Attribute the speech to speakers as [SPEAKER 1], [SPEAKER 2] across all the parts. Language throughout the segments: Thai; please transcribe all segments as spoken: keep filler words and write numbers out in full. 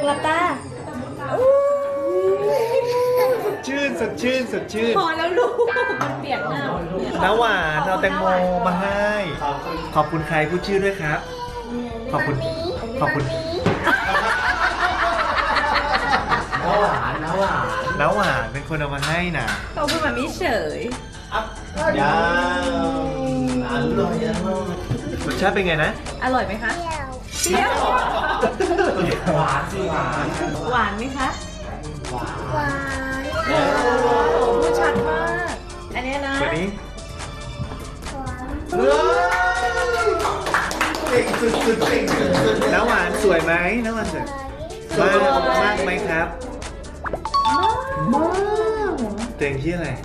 [SPEAKER 1] หลับตา
[SPEAKER 2] ชื่นสดชื่นสดชื่น
[SPEAKER 1] พอแล้วลูกมันเปียกหน้า
[SPEAKER 2] น้าหวานเอาแตงโมมาให้ ขอบคุณใครพูดชื่อด้วยครับ ขอบคุณ ขอบคุณน้าหวานน้าหวานน้าหวานเป็นคนเอามาให้นะ
[SPEAKER 1] เขาพูดแบบนี้เฉย
[SPEAKER 2] ยาวอร่อยรสชาติเป็นไงนะ
[SPEAKER 1] อร่อยไหมคะเปรี้ยว
[SPEAKER 2] หวานสิหวาน
[SPEAKER 1] หวานไหมคะ
[SPEAKER 2] หวาน
[SPEAKER 1] หวานโอ้โหพูดชัดมากอันนี้นะ
[SPEAKER 2] วันนี้น้าหวานสวยไหมน้าหวานสวยมากมากไหมครับมากเต็งที่อะไร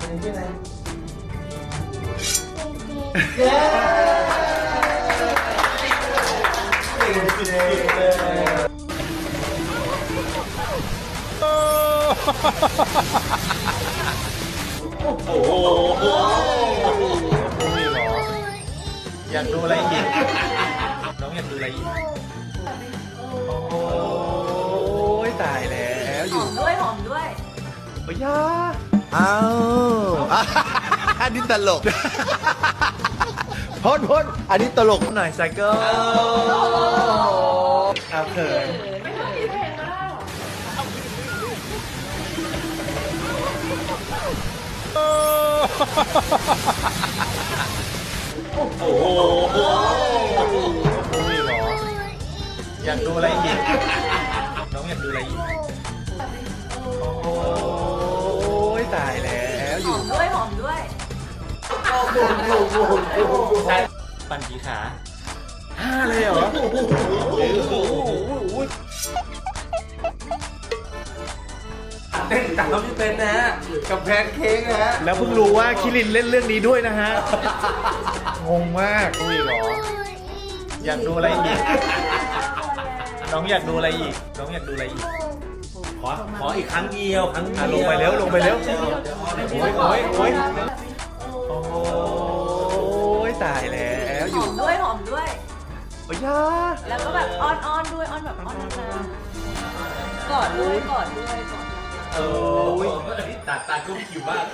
[SPEAKER 2] โอ้โหอยากดูอะไรอีกน้องอยากดูอะไรอีกโอ้ยตายแล้วอ
[SPEAKER 1] ห
[SPEAKER 2] ยู่
[SPEAKER 1] อมด้วยหอมด้วย
[SPEAKER 2] โอ้ยยา
[SPEAKER 3] อ้าวอันนี้ตลกพ้นพ้นอันนี้ตลก
[SPEAKER 2] หน่อยไซเคิลเอาเขินโอ้โหนี่เหรออยากดูอะไรอีกน้องอยากดูอะไรอีกโอ้ยตายแล้ว
[SPEAKER 1] หอมด้วยหอมด้วย
[SPEAKER 2] ปั่นกี่ขาห้าเลยเหรอเต้นตามพี่เป็นนะฮะกับแพนเค้กนะฮะแล้วเพิ่งรู้ว่าคิรินเล่นเรื่องนี้ด้วยนะฮะงงมากอุ้ยเหรออยากดูอะไรอีกน้องอยากดูอะไรอีกน้องอยากดูอะไรอีกขอขออีกครั้งเดียวครั้งเดียวลงไปเร็วลงไปเร็วโอ้ยโอ้ยโอ้ยโอ้ยตายแล้ว
[SPEAKER 1] หอมด้วยหอมด้วย
[SPEAKER 2] โอ้ยยา
[SPEAKER 1] แล้วก็แบบอ้อนอ้อนด้วยอ้อนแบบอ้อนนานๆกอดด้วยกอดด้วยกอด
[SPEAKER 2] โอ้ย
[SPEAKER 4] ตาตากุ้งคิวมาก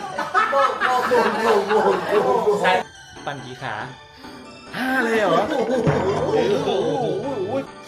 [SPEAKER 2] ปั่นกี่ขาห้าเลยเหรอโอ้โห